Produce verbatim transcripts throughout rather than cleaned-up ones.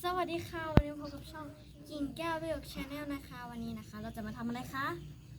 สวัสดีค่ะวันนี้พบกับช่องกิ่งแก้วประโยคชาแนลนะคะวันนี้นะคะเราจะมาทำอะไรคะ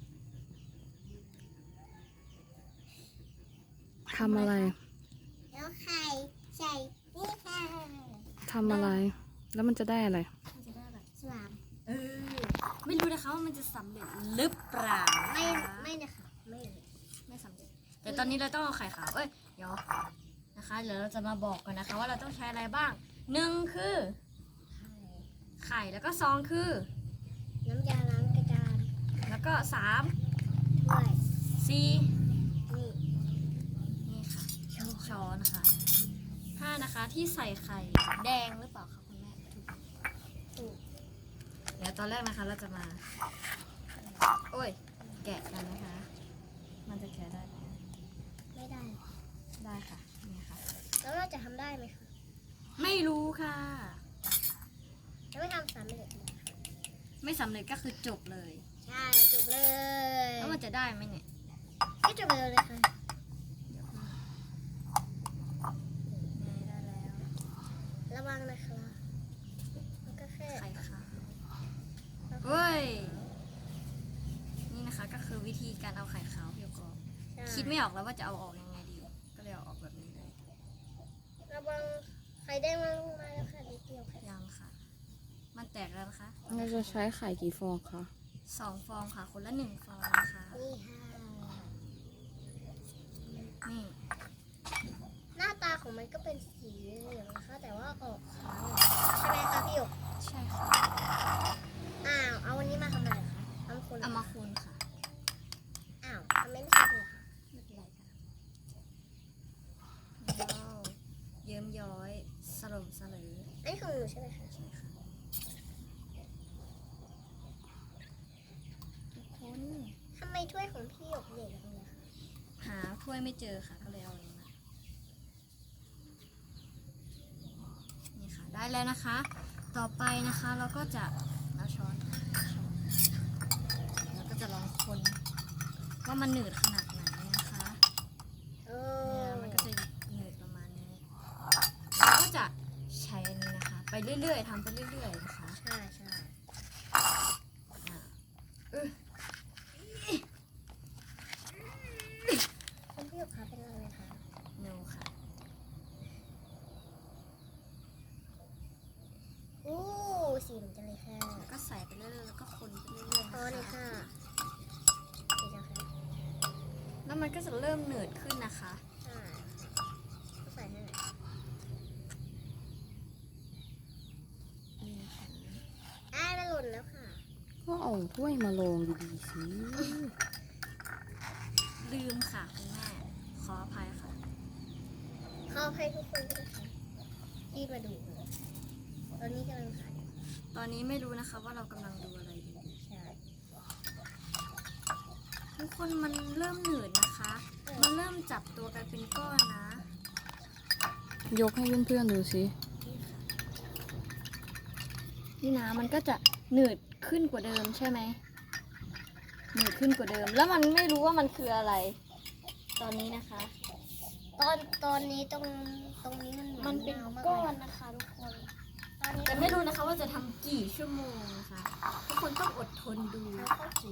ทำอะไรแล้วไข่ใส่นี่ค่ะทำอะไร แล้วมันจะได้อะไรมันจะได้แบบสวามเออไม่รู้นะคะว่ามันจะสำเร็จหรือเปล่าไม่ไม่นะคะไม่เลยไม่สำเร็จแต่ตอนนี้เราต้องเอาไข่ขาวเอ้ยเดี๋ยวนะคะเดี๋ยวเราจะมาบอกกันนะคะว่าเราต้องใช้อะไรบ้างหนึ่งคือไข่แล้วก็สองคือน้ำยาล้างกระดานแล้วก็สามด้วยสี่นี่นี่ค่ะช้อนค่ะห้านะคะที่ใส่ไข่แดงหรือเปล่าคะคุณแม่ถูกถูกเดี๋ยวตอนแรกนะคะเราจะมา โอ้ย แกะกันนะคะ มันจะแกะได้ไหมไม่ได้ได้ค่ะนี่ค่ะแล้วเราจะทำได้ไหมคะไม่รู้ค่ะจะไม่ทำสำเร็จเลยไม่สำเร็จก็คือจบเลยใช่จบเลยแล้วมันจะได้ไหมเนี่ยก็จบเลยเลยค่ะได้แล้วระวังนะคะมันก็แค่ไข่ค่ะเฮ้ย นี่นะคะก็คือวิธีการเอาไข่ขาวเพียวกรอบใช่คิดไม่ออกแล้วว่าจะเอาออกยังไงดี ก็เลยเอาออกแบบนี้เลยระวังไข่แดงมันลงมาแล้วค่ะนิดเดียวค่ะยังค่ะ มันแตกแล้วนะคะเราจะใช้ไข่กี่ฟองคะสองฟองค่ะ คนละหนึ่งฟองนะคะนี่ค่ะนี่หน้าตาของมันก็เป็นสีเหลืองนะคะ แต่ว่าออกขาวใช่ไหมคะพี่หยกใช่ค่ะอ้าว เอาวันนี้มาทำอะไรคะทำคนเอามาคูณค่ะอ้าวทำไมไม่ใช่เลยคะไม่เป็นไรค่ะว้าวเยิ้มย้อยสลมสลืออันนี้ของหนูใช่ไหมคะใช่ค่ะทุกคนทำไมถ้วยของพี่หยกใหญ่จังเลยคะหาถ้วยไม่เจอค่ะ ก็เลยเอาอันนี้มา นี่ค่ะ ได้แล้วนะคะ ต่อไปนะคะเราก็จะเอาช้อนช้อนแล้วก็จะลองคนว่ามันหนืดขนาดไหนนะคะเอเนี่ยอมันก็จะหนืดประมาณนี้แล้วก็จะใช้อันนี้นะคะ ไปเรื่อยๆทำไปเรื่อยๆนะคะใช่ใช่อ่ะอึ๊ะคุณพี่หยกคะเป็นอะไรคะโนค่ะอู้สีเหมือนกันเลยค่ะแล้วก็ใส่ไปเรื่อยๆแล้วก็คนไปเรื่อยๆพอเลยนะคะค่ะดีจังค่ะแล้วมันก็จะเริ่มหนืดขึ้นนะคะใช่ก็ใส่ให้หน่อยนี่ค่ะอ้าวมันหล่นแล้วค่ะก็เอาถ้วยมาลงดีๆสิลืมค่ะคุณแม่ ขออภัยค่ะขอให้ทุกคนด้วยค่ะที่มาดูตอนนี้กำลังขายตอนนี้ไม่รู้นะคะว่าเรากำลังดูอะไรอยู่ใช่ทุกคนมันเริ่มหนืดนะคะ มันเริ่มจับตัวกันเป็นก้อนนะยกให้เพื่อนๆดูสินี่นะมันก็จะหนืดขึ้นกว่าเดิมใช่ไหมหนืดขึ้นกว่าเดิม แล้วมันไม่รู้ว่ามันคืออะไร ตอนนี้นะคะตอนตอนนี้ตรงตรงนี้มันมันเป็นาวากก้อลนยนะคะทุกคนตอนนี้แต่ไม่รู้นะคะว่าจะทำกี่ชั่วโมงนะคะ ทุกคนต้องอดทนดูแล้วก็ขีด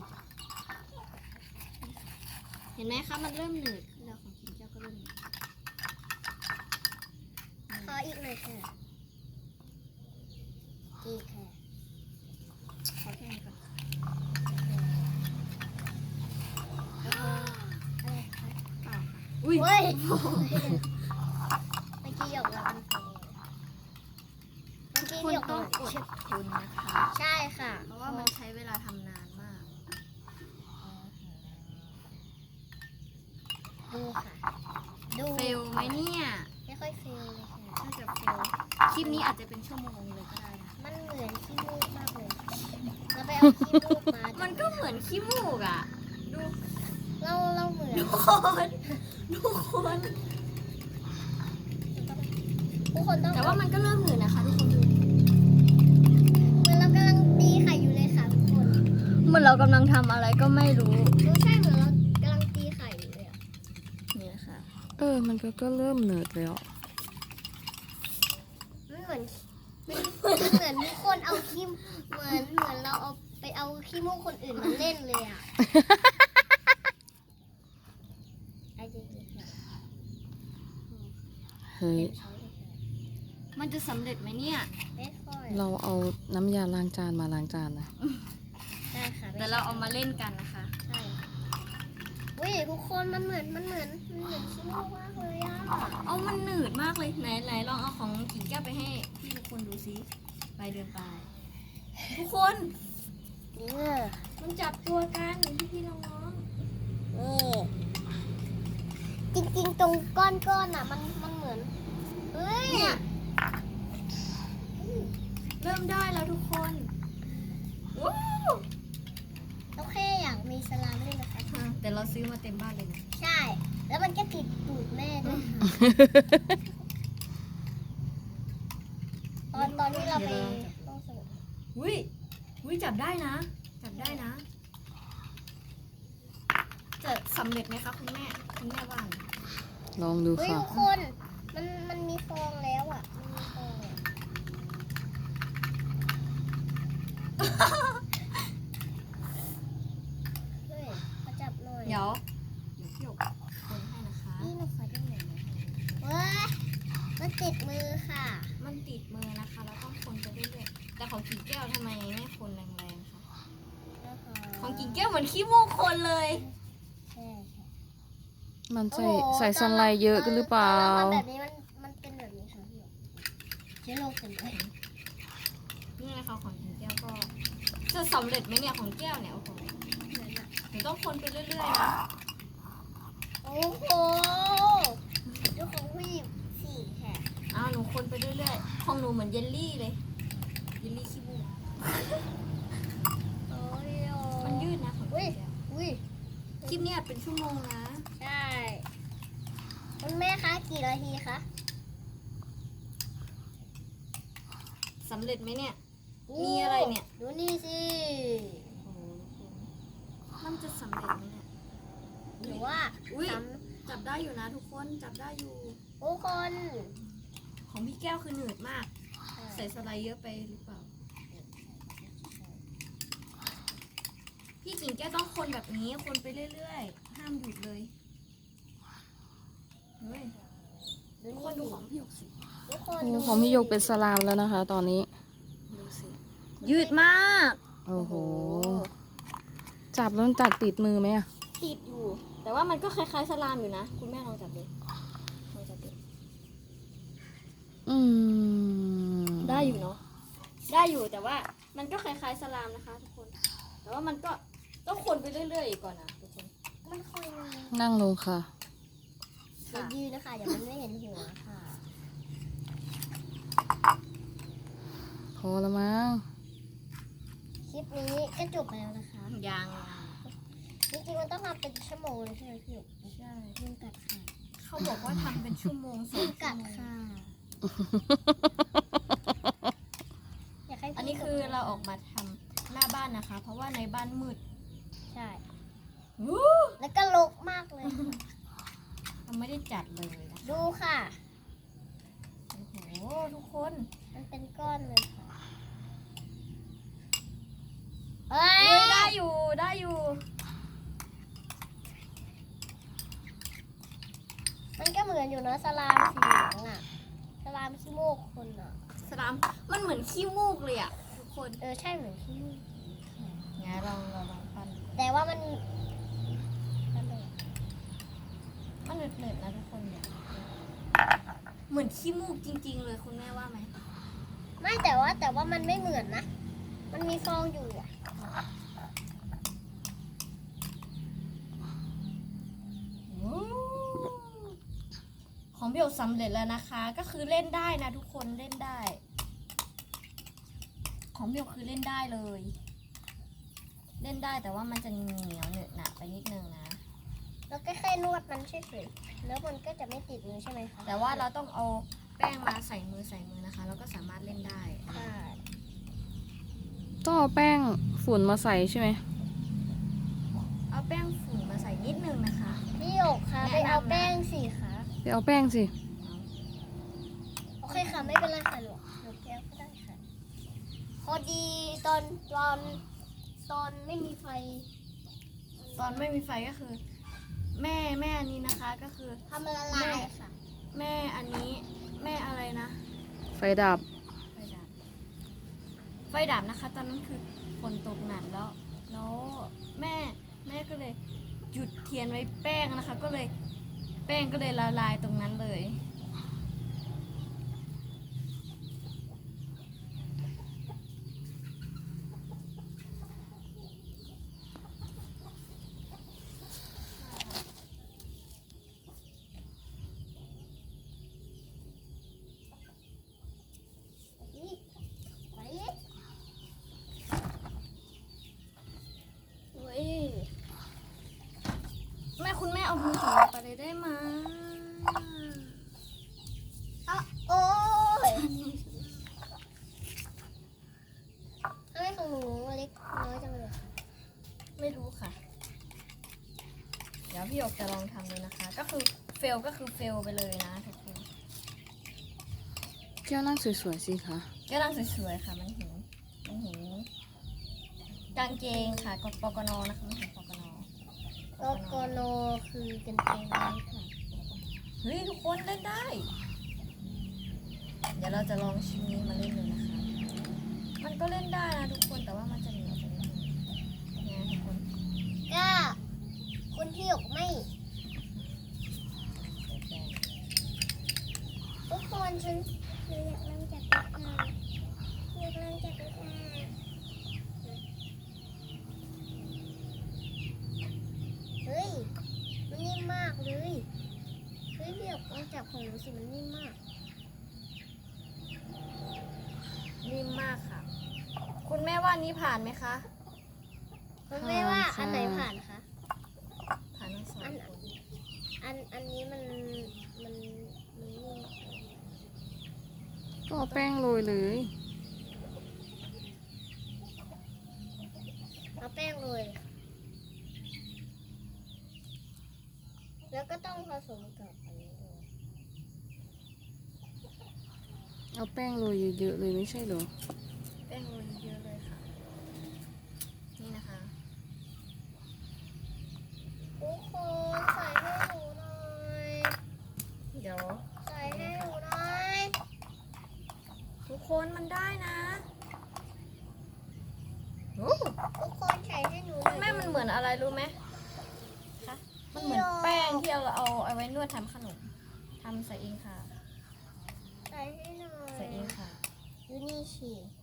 เห็นไหมคะ มันเริ่มหนืดขึ้นแล้วของกินเจ้าก็เริ่มหนืดขออีกหน่อยค่ะอีกค่ะขอแค่นี้ก่อนอะไรคะเปล่าค่ะอุ้ยเฮ้ยเมื่อกี้หยกเราเป็นคนเมื่อกี้คุณหยกต้องเราอดทนนะคะใช่ค่ะเพราะว่ามันใช้เวลาทำนานมากดูค่ะ ดูเฟลไหมเนี่ยไม่ค่อยเฟลเลยค่ะน่าจะเฟล คลิปนี้อาจจะเป็นชั่วโมงเลยก็ได้นะมันเหมือนขี้มูกมากเลยเราไปเอาขี้มูกมามันก็เหมือนขี้มูกอ่ะ ดูเราเราเหมือนทุกคนทุกคนทุกคนต้องแต่ว่ามันก็เริ่มหนืดนะคะทุกคนดูเหมือนเรากำลังตีไข่อยู่เลยค่ะทุกคนเหมือนเรากำลังทำอะไรก็ไม่รู้ไม่ใช่เหมือนเรากำลังตีไข่อยู่เลยอะนี่นะคะเออ มันก็ก็เริ่มเหนืดแล้วมันเหมือนเหมือนมีคนเอาขี้เหมือนเหมือนเราเอาไปเอาขี้มูกคนอื่นมาเล่นเลยอ่ะไอ้จริงเฮ้ยมันจะสำเร็จไหมเนี่ยๆไม่ค่อยเราเอาน้ำยาล้างจานมาล้างจานนะใช่ค่ะแต่เราเอามาเล่นกันนะคะใช่วิทุกคนมันเหมือนมันเหมือนมันเหมือนขี้มูกมากเลยอ่ะเอามันหนืดมากเลยไหนไหนลองเอาของกิ่งแก้วไปให้พี่ทุกคนดูซิไปเดินไป ทุกคนนี่มันจับตัวกันพี่พี่น้องน้องนี่จริงๆตรงก้อนๆอ่ะมันมันเหมือนเฮ้ยเนี่ยเริ่มได้แล้วทุกคนว้าวโอเคอยากมีสลามด้วยนะคะแต่เราซื้อมาเต็มบ้านเลยนะใช่ แล้วมันก็ติดตูดแม่ด้วยค่ะตอนตอนที่เราไปห้องสมุดอุ้ยอุ้ยจับได้นะ จับได้นะ จะสำเร็จไหมคะคุณแม่คุณแม่ว่าไงลองดูเฮ้ยค่ะทุกคนมันมันมีฟองแล้วอ่ะมันมีฟองอะเฮ้ยมาจับหน่อยเดี๋ยวเดี๋ยวพี่หยกคนให้นะคะนี่หนูขอได้ไหมเว้ยมันติดมือค่ะมันติดมือนะคะเราต้องคนไปเรื่อยๆแต่ของกิ่งแก้วทำไมไม่คนแรงๆคะของกิ่งแก้วเหมือนขี้มูกคนเลยใช่ใช่มันใส่โอ้โหใส่สไลด์เยอะกันหรือเปล่าตอนแบบนี้มันมันเป็นแบบนี้ค่ะพี่หยกเชื้อโรคเต็มเลยนี่นะคะของกิ่งแก้วก็จะสำเร็จไหมเนี่ยของแก้วเนี่ยโอ้โหหนูต้องคนไปเรื่อยๆนะโอ้โหดูของผู้หญิงสี่แค่อ้าวหนูคนไปเรื่อยๆของหนูเหมือนเยลลี่เลยเยลลี่ขี้มูกโอ้ยมันยืดนะของอุ้ยกิ่งแก้วอุ้ยคลิปเนี้ยเป็นชั่วโมงนะใช่คุณแม่คะกี่นาทีคะสำเร็จไหมเนี่ย มีอะไรเนี่ยดูนี่สิโอ้โหมันจะสำเร็จไหมเนี่ยหรือว่าอุ้ยทจับได้อยู่นะทุกคนจับได้อยู่ำทุกคนของพี่แก้วคือหนืดมาก ใส่สไลด์เยอะไปหรือเปล่า พี่กิ่งแก้วต้องคนแบบนี้คนไปเรื่อยๆ ห้ามหยุดเลย เฮ้ยดูทุกนี่คนดูของพี่หยกสิทุกคนโอ้ดูของพี่โยกเป็นสลามแล้วนะคะ ตอนนี้ดูสิ ยืดมากโอ้โห จับแล้วมันจับติดมือไหมอะติดอยู่ แต่ว่ามันก็คล้ายๆสลามอยู่นะ คุณแม่ลองจับดูลองจับดูอืมได้อยู่เนาะ ได้อยู่แต่ว่ามันก็คล้ายๆสลามนะคะทุกคน แต่ว่ามันก็ต้องคนไปเรื่อยๆอีกก่อนนะทุกคนมันคอยนั่งลงค่ะเดี๋ยวยืนนะคะเดี๋ยวมันไม่เห็นหัวค่ะพอแล้วมั้งคลิปนี้ก็จบไปแล้วนะคะยังจริงๆมันต้องทำเป็นชั่วโมงเลยใช่ไหมพี่หยกใช่ยุงกัดค่ะเขาบอกว่าทำเป็นชั่วโมงสอยุงงชั่กัวดโมงค่ะอยากให้พี่อันนี้คือเราออกมาทำหน้าบ้านนะคะ เพราะว่าในบ้านมืดใช่วู้แล้วก็รกมากเลยเราไม่ได้จัดเลยนะดูค่ะโอ้โหทุกคนมันเป็นก้อนเลยค่ะเอ้เฮ้ยยได้อยู่ได้อยู่มันก็เหมือนอยู่นะสลามสีเหลืองอ่ะ สลามขี้โมกคนอ่ะสลามมันเหมือนขี้มูกเลยอะทุกคนเออใช่เหมือนขี้มูกงั้นลองลองลองปั้นดูแต่ว่ามันมันเหนืดๆนะทุกคนเนี่ยเหมือนขี้มูกจริง ๆ เลยคุณแม่ว่าไหมไม่แต่ว่าแต่ว่ามันไม่เหมือนนะ มันมีฟองอยู่อ่ะของเบลสำเร็จแล้วนะคะ ก็คือเล่นได้นะทุกคนเล่นได้ ของเบลคือเล่นได้เลย เล่นได้แต่ว่ามันจะเหนียวเหนอะหนะไปนิดนึงนะแล้วก็แค่นวดมันเฉยๆแล้วมันก็จะไม่ติดมือใช่ไหมคะแต่ว่าเราต้องเอาแป้งมาใส่มือใส่มือนะคะ แล้วก็สามารถเล่นได้ใช่ต้องเอาแป้งฝุ่นมาใส่ใช่ไหมเอาแป้งฝุ่นมาใส่นิดนึงนะคะพี่หยกคะไปเอาแป้งสิคะไปเอาแป้งสิโอเคค่ะไม่เป็นไรค่ะหนูหนูแก้วก็ได้ค่ะอนตอนตอนไม่มีไฟตอนไม่มีไฟก็คือ แม่แม่อันนี้นะคะก็คือทำละลายค่ะแม่อันนี้แม่อะไรนะไฟดับไฟดับไฟดับนะคะ ตอนนั้นคือฝนตกหนักแล้ว แล้วแม่แม่ก็เลยหยุดเทียนไว้แป้งนะคะ ก็เลยแป้งก็เลยละลายตรงนั้นเลยนี่ไปเฮ้ยแม่คุณแม่เอามือของเราไปเลยได้ไหมเอาโอ้ยทำไมของหนูเล็กน้อยจังเลยไม่รู้ค่ะ เดี๋ยวพี่หยกจะลองทำดูนะคะ ก็คือเฟลก็คือเฟลไปเลยนะทุกคนแก้วนั่งสวยๆสิคะแก้วนั่งสวยๆค่ะ มันเห็นมันเห็นกางเกงค่ะกปกนนะคะมันเห็นปกนโกโกโนคือกางเกงในค่ะเฮ้ยทุกคนเล่นได้ เดี๋ยวเราจะลองชิ้นนี้มาเล่นดูนะคะ มันก็เล่นได้นะทุกคนแต่ว่ามันจะเหนียวไปนิดนึงเนี่ยทุกคนก็คุณพี่หยกไม่ ทุกคนฉันหนูอยากนั่งจากรถมาอยากนั่งจากรถมาเฮ้ย มันนิ่มมากเลย เฮ้ยพี่หยกลองจับของหนูสิมันนิ่มมากนิ่มมากค่ะ คุณแม่ว่านี้ผ่านไหมคะคุณแม่ว่าอันไหนผ่านคะผ่านทั้งสองอันคนอันอันนี้มันมันมันนิ่มก็เอาแป้งโรยเลยเอาแป้งโรยแล้วก็ต้องผสมกับอันนี้ด้วยเอาแป้งโรยเยอะๆเลยไม่ใช่เหรอแป้งโรยเยอะเลยค่ะ นี่นะคะทุกคนใส่ให้หนูหน่อยเดี๋ยวใส่ให้หนูหน่อยทุกคนมันได้นะโอ้ทุกคนใส่ให้หนูหน่อยแม่มันเหมือนอะไรรู้ไหมคะ มันเหมือนแป้งที่เราเอาเอาไว้นวดทำขนมทำใส่เองค่ะใส่ให้หน่อยใส่เองค่ะดูนี่สิ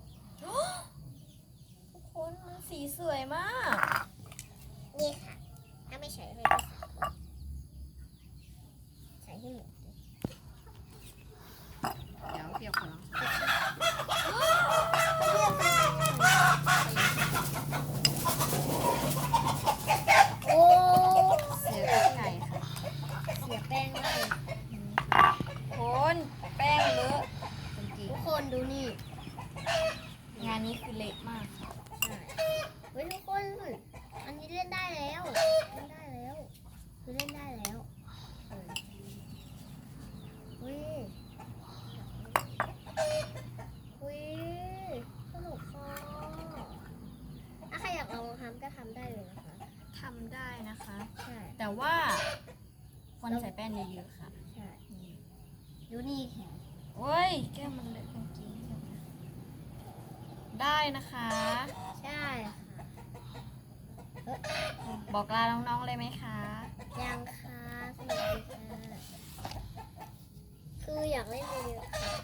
ทุกคนมันสีสวยมากนี่ค่ะ ถ้าไม่ใส่ให้ก็ใส่ให้หมดเลยเดี๋ยวเปียกขอลองโอ้เสียไก่ค่ะเสียแป้งมากเลยคนแป้งเลอะจริงทุกคนดูนี่ๆงานนี้คือเละมากค่ะใช่เฮ้ยทุกคน อันนี้เล่นได้แล้ว เล่นได้แล้ว คือเล่นได้แล้วเออเฮ้ยเฮ้ยสนุกค่ะถ้าใครอยากลองทำก็ทำได้เลยนะคะทำได้นะคะใช่แต่ว่าควรใส่แป้งเยอะๆค่ะใช่นี่ดูนี่แขนโอ้ยแก้วมันเลอะกางเกงได้นะคะใช่ค่ะบอกลาน้องๆเลยไหมคะยังค่ะสนุกดีค่ะคืออยากเล่นเยอะๆค่ะ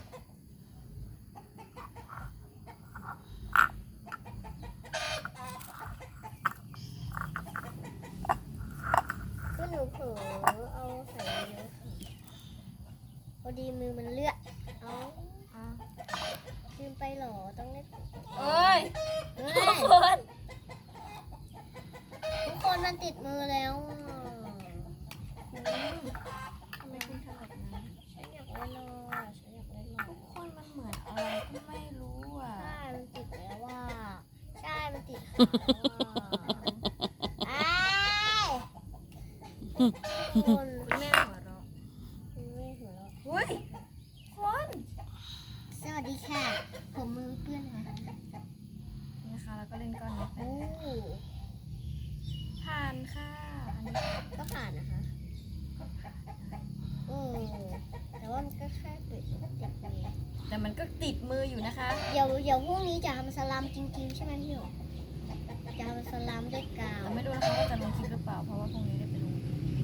คือหนูเผลอเอาใส่เยอะค่ะพอดีมือมันเลือดเอาอ่ะลืมไปเหรอต้องเล่นเอ้ยเฮ้ทุกยคนทุกคนมันติดมือแล้วอ่ะทำไมคุณทำแบบนั้นฉันอยากเล่นหน่อยฉันอยากเล่นหน่อยทุกคนมันเหมือนอะไรก็ไม่รู้อ่ะใช่ มันติดแล้วว่า ใช่ มันติดขาแล้วอ่ะอ้ายคนคุณแม่หัวเราะคุณแม่หัวเราะเฮ้ยคนสวัสดีค่ะ ผมมือเพื่อนค่ะนี่นะคะก็เล่นก้อนนี้ไปโอ้ผ่านค่ะอันนี้ก็ผ่านนะคะก็ผ่านได้โอ้แต่ว่ามันก็แค่ติดติดมือแต่มันก็ติดมืออยู่นะคะเดี๋ยวเดี๋ยวพรุ่งนี้จะทำสลัมจริงๆใช่ไหมพี่หยกจะทำสลัมด้วยกาวแต่ไม่รู้นะคะว่าจะลงคลิปหรือเปล่าเพราะว่าพรุ่งนี้ได้ไปลง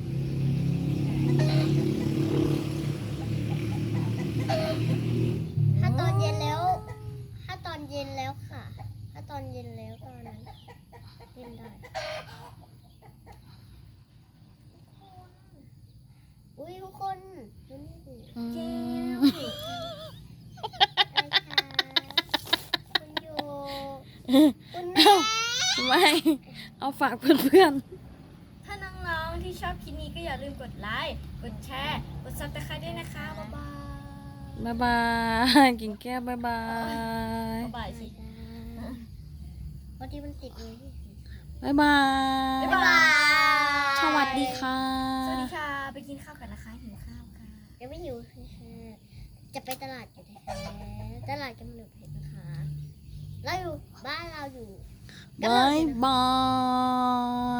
ถ้าตอนเย็นแล้ว ถ้าตอนเย็นแล้วค่ะ ถ้าตอนเย็นแล้วตอนนั้นเล่นได้อุ้ยทุกคนดูนี่สิอืเย้มอะไรคะคุณโยคุณแม่ไม่ เอาฝากเพื่อนถ้าน้องๆที่ชอบคลิปนี้ก็อย่าลืมกดไลค์กดแชร์กดซับสไครต์ด้วยนะคะบ๊ายบายๆบ๊ายบาย กิ่งแก้วบ๊ายบายบ๊ายบายสิพอดีมันติดมือที่บ๊ายบายบ๊ายบายสวัสดีค่ะสวัสดีค่ะไปกินข้าวกันนะคะหิวข้าวค่ะยังไม่อยู่ค่ะจะไปตลาดอยู่แท้ๆตลาดกำเนิดเพชรนะคะเราอยู่บ้านเราอยู่บ๊ายบาย